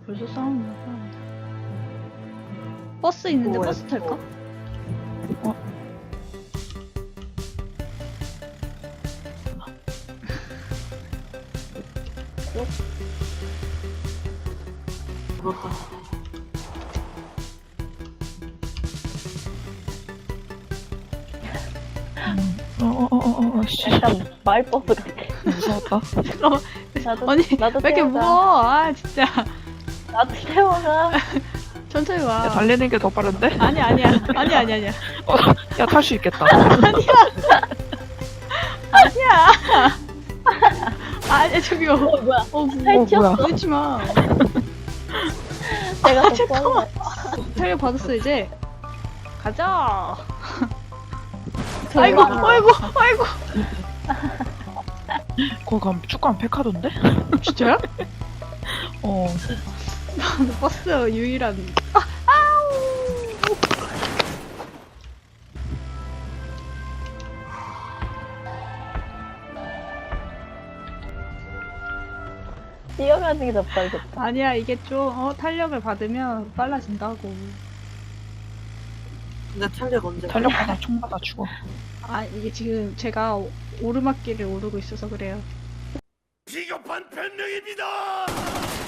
벌써 싸우는 거야. 버스 있는데 뭐야, 버스 탈까? 그렇다. 씨. 약간 말버스 같아. 무서웠다. 나도, 아니 나도 왜 이렇게 태워가. 무거워? 아 진짜 나도 태워가. 천천히 와. 야, 달리는 게 더 빠른데? 아니야. 야, 탈 수 있겠다. 아니야 저기요. 뭐야? 뭐야. 그러지 마. 내가 더 잠깐만. 빨라. 탄력 받았어 이제. 가자. 대박. 아이고. 거기 가면 축구하면 백화던데? 진짜요? 어. 버스 유일한. 뛰어가는 게 더 빠르겠다. 아니야 이게 좀 탄력을 받으면 빨라진다고. 근데 탄력 언제? 달력하다 총 맞아 죽어. 아 이게 지금 제가 오르막길을 오르고 있어서 그래요. 비겁한 변명입니다.